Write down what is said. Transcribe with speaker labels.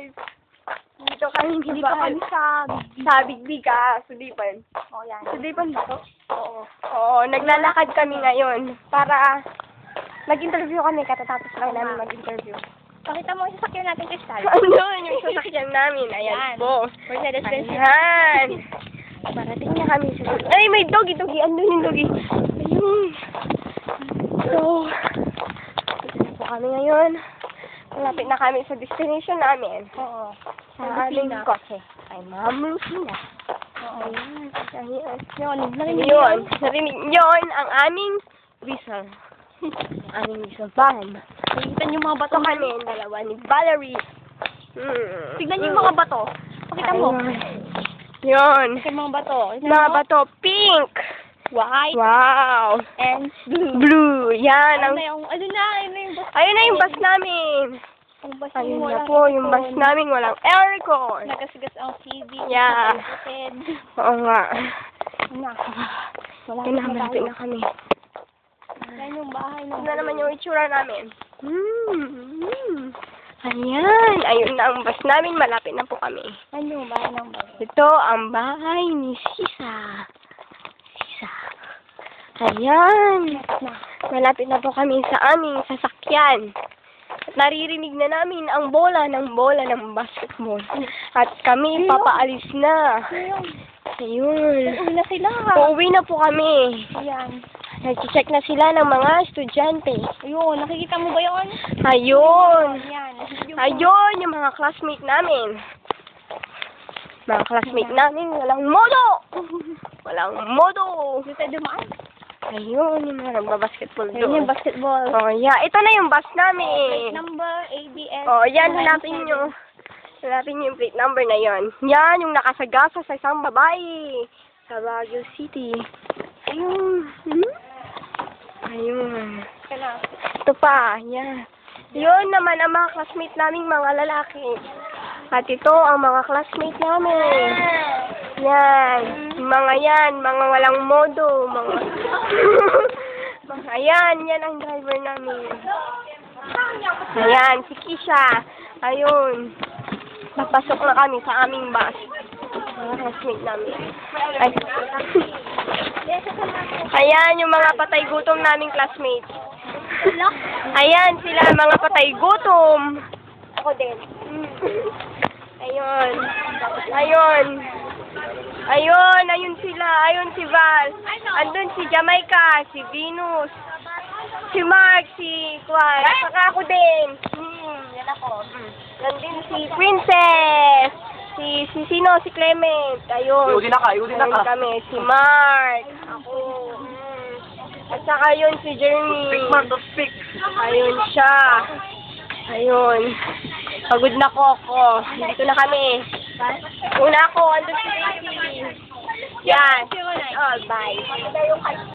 Speaker 1: guys. Dito kami
Speaker 2: Hindi pa kami
Speaker 1: sa Bigbiga, Sudipan.
Speaker 2: Oh, yan.
Speaker 1: Sudipan ba to?
Speaker 2: Oo.
Speaker 1: Oo, naglalakad kami ngayon para mag-interview kami katatapos lang namin mag-interview.
Speaker 2: Pakita mo yung sasakyan natin, Crystal.
Speaker 1: Ano yung sasakyan namin? Ayan
Speaker 2: Yan.
Speaker 1: po.
Speaker 2: Mercedes-Benz.
Speaker 1: Ayan. Parating na kami sa... Ay, may doggy. Andun yung doggy. Ayun. So, dito na po kami ngayon. Malapit na kami sa destination namin.
Speaker 2: Oo.
Speaker 1: Sa aming kotse. Ay, Ma'am Lucina.
Speaker 2: Oo.
Speaker 1: Ayan. Ayan.
Speaker 2: Yun.
Speaker 1: Narinig yun ang aming whistle. Ang aming whistle band.
Speaker 2: Nakikita niyo yung mga bato.
Speaker 1: Ito kami, dalawa ni Valerie.
Speaker 2: Tignan niyo yung mga bato. Pakita mo.
Speaker 1: Yun.
Speaker 2: Yung mga bato.
Speaker 1: Mga bato, pink.
Speaker 2: White.
Speaker 1: Wow.
Speaker 2: And blue.
Speaker 1: Blue. Yan.
Speaker 2: Ano na yung bus?
Speaker 1: Ayun na yung bus namin.
Speaker 2: Yung bus
Speaker 1: Ayun
Speaker 2: yung
Speaker 1: na
Speaker 2: walang
Speaker 1: po, yung bus
Speaker 2: aircon.
Speaker 1: namin walang aircon.
Speaker 2: Nagasigas ang TV.
Speaker 1: Yeah.
Speaker 2: Head.
Speaker 1: Oo nga.
Speaker 2: Na. Wala
Speaker 1: Malapit na kami.
Speaker 2: Yan yung bahay ng
Speaker 1: Ito na naman yung itsura namin. Ayan. Ayun na ang bus namin. Malapit na po kami.
Speaker 2: Ano yung bahay ng bus?
Speaker 1: Ito ang bahay ni Sisa. Ayan. Malapit na po kami sa aming sasakyan. At naririnig na namin ang bola ng basketball. At kami papaalis na. Ayun.
Speaker 2: Uwi na sila.
Speaker 1: Uuwi na po kami.
Speaker 2: Ayan.
Speaker 1: Nag-check na sila ng mga estudyante.
Speaker 2: Ayun. Nakikita mo ba yun?
Speaker 1: Ayun.
Speaker 2: Ayan.
Speaker 1: Ayun, yung mga classmate namin. Mga classmate namin, walang modo! Walang modo!
Speaker 2: Dito tayo dumaan.
Speaker 1: Ayun, yung mga nagbabasketball doon.
Speaker 2: Ayun yung basketball.
Speaker 1: Oh, yeah. Ito na yung bus
Speaker 2: Plate
Speaker 1: namin.
Speaker 2: number ABS.
Speaker 1: Oh, yan. Hanapin nyo. Hanapin nyo yung plate number na yon. Yan, yung nakasagasa sa isang babae. Sa Baguio City. Ayun. Ayun. Ito pa. Yan. Yun naman ang mga classmate naming mga lalaki. At ito ang mga classmate namin. Yan. Mga yan. Mga walang modo. Mga... Ayan. Yan ang driver namin. Ayan. Si Kisha. Ayun. Papasok na kami sa aming bus. Mga classmate namin. Ay. Ayan yung mga patay gutom naming classmates. Ayan sila mga patay gutom. Ako din. Ayun. Ayun. Ayun. Ayun sila. Ayun si Val. Andun si Jamaica. Si Venus. Si Mark. Si Kwan. Saka ako din. Yan ako. Nandun si Princess. Si sino? Si Clement. Ayun.
Speaker 3: Iudin na ka.
Speaker 1: Ayun kami. Si Mark. Ako. At saka yun si Jeremy.
Speaker 3: Speak man to speak.
Speaker 1: Ayun siya. Ayun. Pagod na ko ako. Dito na kami. Una ako. Andun si Daisy. Yan. Oh, bye.